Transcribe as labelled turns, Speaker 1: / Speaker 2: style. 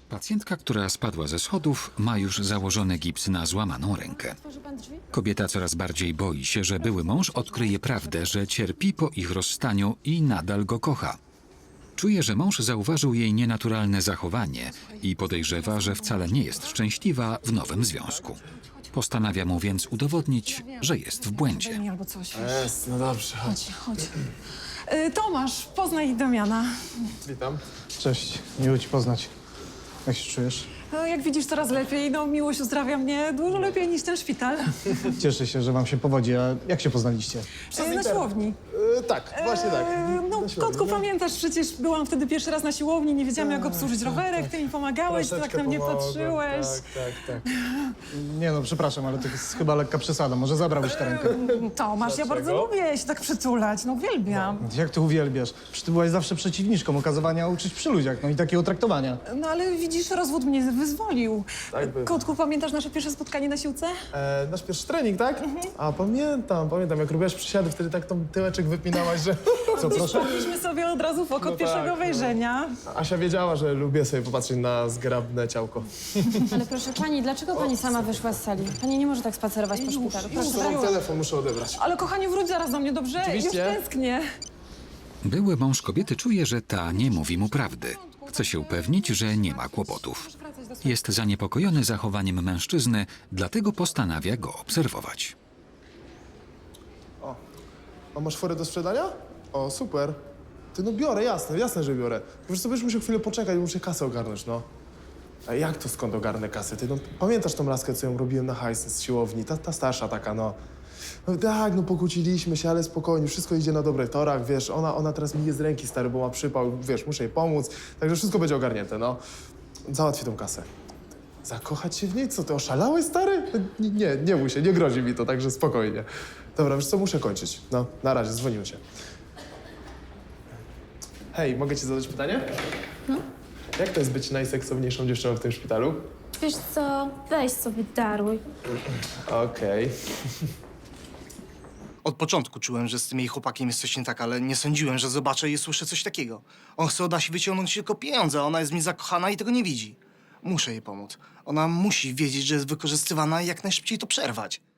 Speaker 1: Pacjentka, która spadła ze schodów, ma już założony gips na złamaną rękę. Kobieta coraz bardziej boi się, że były mąż odkryje prawdę, że cierpi po ich rozstaniu i nadal go kocha. Czuje, że mąż zauważył jej nienaturalne zachowanie i podejrzewa, że wcale nie jest szczęśliwa w nowym związku. Postanawia mu więc udowodnić, że jest w błędzie.
Speaker 2: Albo coś.
Speaker 3: Jest, no dobrze, chodź.
Speaker 2: Chodź. Tomasz, poznaj Damiana.
Speaker 3: Witam.
Speaker 4: Cześć, miło cię poznać. Jak się czujesz?
Speaker 2: Jak widzisz, coraz lepiej. No, miłość uzdrawia mnie dużo lepiej niż ten szpital.
Speaker 4: Cieszę się, że wam się powodzi. A jak się poznaliście?
Speaker 2: Na siłowni.
Speaker 3: Tak, właśnie tak.
Speaker 2: No,
Speaker 3: Na siłowni,
Speaker 2: kotku,
Speaker 3: no.
Speaker 2: pamiętasz, przecież byłam wtedy pierwszy raz na siłowni, nie wiedziałam, jak obsłużyć rowerek, ty mi pomagałeś, ty tak
Speaker 3: Troszeczkę
Speaker 2: na mnie
Speaker 3: pomogłem.
Speaker 2: patrzyłeś.
Speaker 3: Tak.
Speaker 4: Nie no, przepraszam, ale to jest chyba lekka przesada. Może zabrałbyś tę rękę?
Speaker 2: Tomasz, ja bardzo
Speaker 3: Dlaczego?
Speaker 2: lubię się tak przytulać, no uwielbiam.
Speaker 4: Jak ty uwielbiasz? Przecież ty byłaś zawsze przeciwniczką okazywania uczuć przy ludziach, no i takiego traktowania.
Speaker 2: No ale widzisz, rozwód mnie wyzwolił.
Speaker 3: Tak bywa.
Speaker 2: Kotku, pamiętasz nasze pierwsze spotkanie na siłce?
Speaker 3: Nasz pierwszy trening, tak? A pamiętam, jak robiłaś przysiady, wtedy tak tą tyłeczek wypinałaś, że...
Speaker 4: Co, proszę?
Speaker 2: Wpadliśmy sobie od razu w oko
Speaker 3: No
Speaker 2: od pierwszego
Speaker 3: tak, no.
Speaker 2: wejrzenia.
Speaker 3: Asia wiedziała, że lubię sobie popatrzeć na zgrabne ciałko.
Speaker 5: Ale proszę pani, dlaczego pani sama wyszła z sali? Pani nie może tak spacerować po szpitalu. Proszę.
Speaker 3: Mam telefon, muszę odebrać.
Speaker 2: Ale kochanie, wróć zaraz do mnie, dobrze?
Speaker 3: Oczywiście.
Speaker 2: Już tęsknię.
Speaker 1: Były mąż kobiety czuje, że ta nie mówi mu prawdy. Chce się upewnić, że nie ma kłopotów. Jest zaniepokojony zachowaniem mężczyzny, dlatego postanawia go obserwować.
Speaker 3: A masz forę do sprzedania? O, super. Ty no biorę, jasne, że biorę. Wiesz co, będziesz musiał chwilę poczekać, muszę kasę ogarnąć, no. A jak to skąd ogarnę kasę? Ty no, pamiętasz tą laskę, co ją robiłem na hajs z siłowni? Ta starsza taka, no. No tak, no pokłóciliśmy się, ale spokojnie, wszystko idzie na dobrych torach, wiesz, ona teraz mi je z ręki, stary, bo ma przypał, wiesz, muszę jej pomóc, także wszystko będzie ogarnięte, no. Załatwię tą kasę. Zakochać się w niej? Co, ty oszalałeś, stary? Nie bój się, nie grozi mi to, także spokojnie. Dobra, wiesz co, muszę kończyć. No, na razie, dzwonimy się. Hej, mogę ci zadać pytanie? No. Jak to jest być najseksowniejszą dziewczyną w tym szpitalu?
Speaker 5: Wiesz co, weź sobie daruj.
Speaker 3: Okej.
Speaker 6: Od początku czułem, że z tym jej chłopakiem jest coś nie tak, ale nie sądziłem, że zobaczę i usłyszę coś takiego. On chce od Asi wyciągnąć tylko pieniądze, a ona jest mi zakochana i tego nie widzi. Muszę jej pomóc. Ona musi wiedzieć, że jest wykorzystywana i jak najszybciej to przerwać.